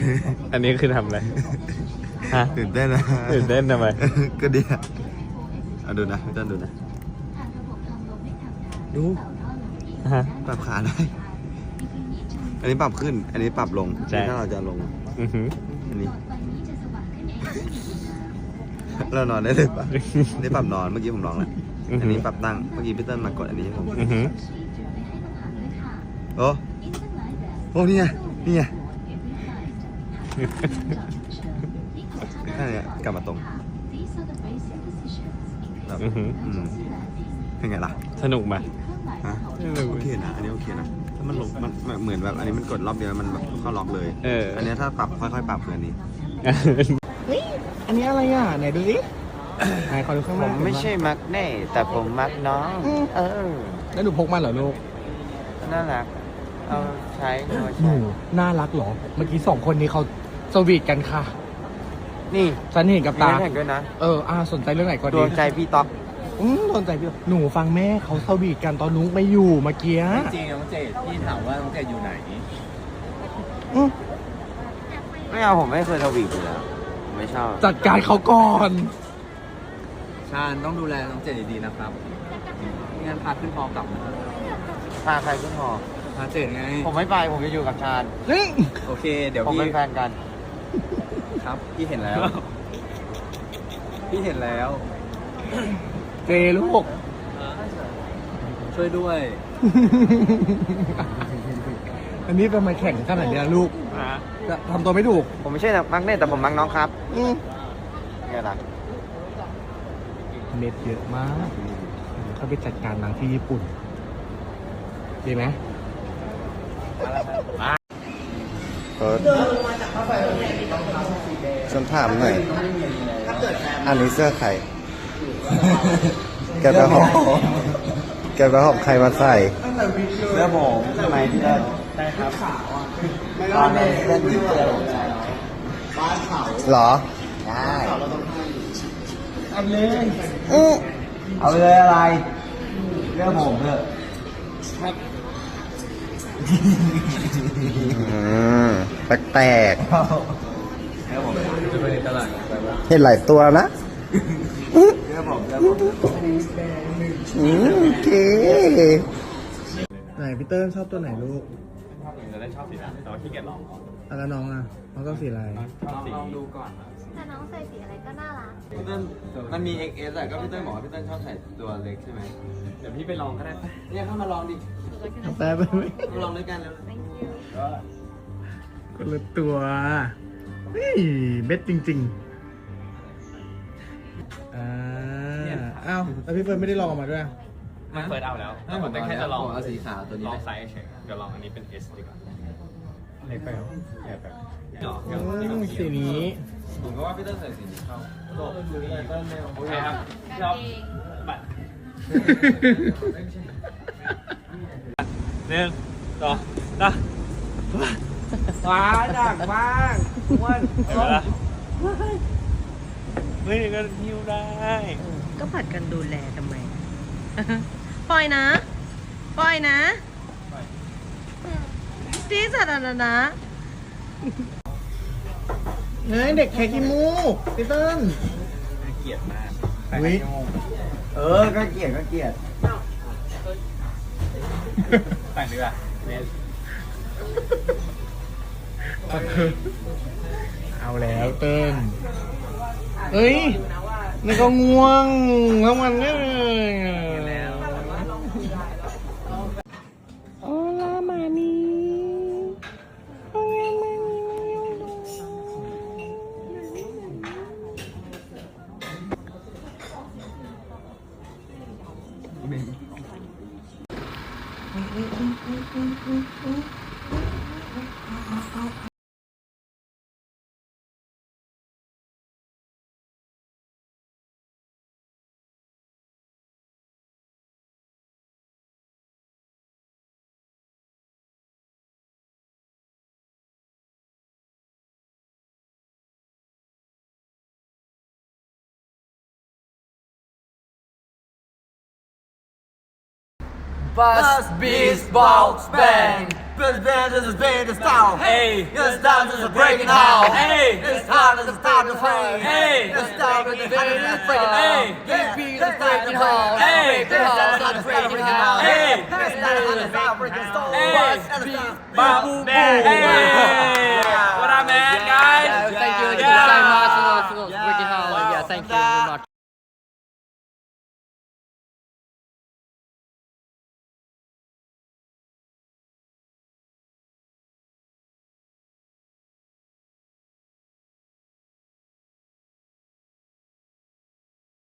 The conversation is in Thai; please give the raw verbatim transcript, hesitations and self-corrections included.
อันนี้คือทำอะไรฮะตื่นเต้นนะตื่นเต้นทำไมก็ดีอะเอาดูนะพี่ต้นดูนะดูฮะปรับขาได้ อันนี้ปรับขึ้น อันนี้ปรับลงใช่ถ้าเราจะลงอือหืออันนี้ เรานอนได้เลยปะอันนี้ปรับนอนเมื่อกี้ผมลองแล้วอันนี้ปรับตั้งเมื่อกี้พี่เติ้ลมากดอันนี้ให้ผมอือหือโอ้โอ้นี่ไงนี่ไงนั่นไงกลับมาตรงแบบอือหืออืมเป็นไงล่ะสนุกไหมฮะโอเคนะอันนี้โอเคนะถ้ามันลงมันมันเหมือนแบบอันนี้มันกดรอบเดียวมันแบบเข้าล็อกเลยเอออันนี้ถ้าปรับค่อยๆปรับคืออันนี้เฮ้ย อันนี้อะไรอ่ะ ไหนดูสิไหนขอดูข้างผล่างมไม่ใช่มักแน่แต่ผมมักน้อง เออแล้วหนูพกมันเหรอลูกน่ารักเอาใช้หนูหใช้นูน่ารักเหรอ เมื่อกี้สองคนนี้เขาสวีทกันค่ะนี่ฉันเห็นกับมีตาน้ำแข็งด้วยนะเอออ่าสนใจเรื่องไหนก็ดดีวงใจพี่ต๊อกอืมสนใจพี่หนูฟังแม่เขาสวีทกันตอนนุ๊กไม่อยู่เมื่อกี้จริงๆน้องเจดพี่ถามว่าน้องเจดอยู่ไหนอืมไม่เอาผมไม่เคยทวีปอยู่แล้วผมไม่ชอบจัดการเขาก่อนชาญต้องดูแลน้องเจดดีๆนะครับไม่งั้นพาขึ้นพอกลับนะพาใครขึ้นหอพาเจดไงผมไม่ไปผมจะอยู่กับชาญนี่โอเค เดี๋ยวผมพี่เป็นแฟนกันครับ พี่เห็นแล้ว พี่เห็นแล้วเจลูกช่วยด้วยอันนี้เป็นมาแข่งขนาดเนี้ยลูกจะทำตัวไม่ถูกผมไม่ใช่มักแน่แต่ผมมักน้องครับอืมไงล่ะเน็ตเยอะมากเขาไปจัดการนางที่ญี่ปุ่นดีไหมฉันถามหน่อย อันนี้เสื้อใคร แกไปหอบแกไปหอบใครมาใส่ เสื้อผมใช่ไหมพี่เล่นใช่ครับตอนนี้เล่นเสื้อผมใส่หรอ ได้อันเลยอื้อเอาไปเลยอะไรเสื้อผมเถอะอืมแปลกๆจะไปในตลาดไปว่าเห็นหลายตัวนะอืมโอเคไหนพี่เติ้ลชอบตัวไหนลูกชอบจะได้ชอบสีนั้นแต่ว่าขี้เกียจลองอ่ะแล้วน้องอ่ะน้องก็สีอะไรชอบสีลองดูก่อนแต่น้องใส่สีอะไรก็น่ารักพี่เติ้ลมันมี เอ็กซ์ เอส อะก็พี่เติ้ลบอกว่าพี่เติ้ลชอบใส่ตัวเล็กใช่ไหมเดี๋ยวพี่ไปลองก็ได้ปะเนี่ยเข้ามาลองดิแปลไปไหมมาลองด้วยกันแล้วคนละตัวเฮ้ยเบ็ดจริงๆอ่าอ้าวแล้วพี่เฟิร์นไม่ได้ลองออกมาด้วยมันเปิดเอาแล้วให้ผมแต่แค่จะลองเอาสีขาวตัวนี้ลองไซส์เฉยเดี๋ยวลองอันนี้เป็น S ดีกว่าเล็กไปเหรอใหญ่ไปเนาะอืมสีนี้ผมก็ว่าพี่เติ้ลใส่สีนี้เข้าโอเคครับชอบบัตรหนึ่งสองนะว้าดักบ้างอ้วนเห็นไหมล่ะเฮ้ยก็หิ้วได้ก็ผัดกันดูแลทำไม ปล่อยนะ ปล่อยนะที่สาธารณะเฮ้ยเด็กแค่ขี้มูกพี่เติ้ลเกลียดมากอุ๊ยเออ ก็เกลียดก็เกลียดแต่งดีกว่าเนสเอาแล้วเติ้ลเฮ้ยนี่ก็ง่วงทั้งวันเลยแล้วโอ้ลามานีโอ้ยมานี Bus Beast Box Bang This band is a band of style. Hey, this dance is a breaking out. Hey, this time is a start to play. Hey, this time is a breaking out. Hey, this beat is breaking out. Hey, this time is breaking out. Hey, this time is a breaking stone. Hey, Boom, man. Hey, what up, man, guys? Thank you, thank you very much. Breaking out. Yeah, thank you very much.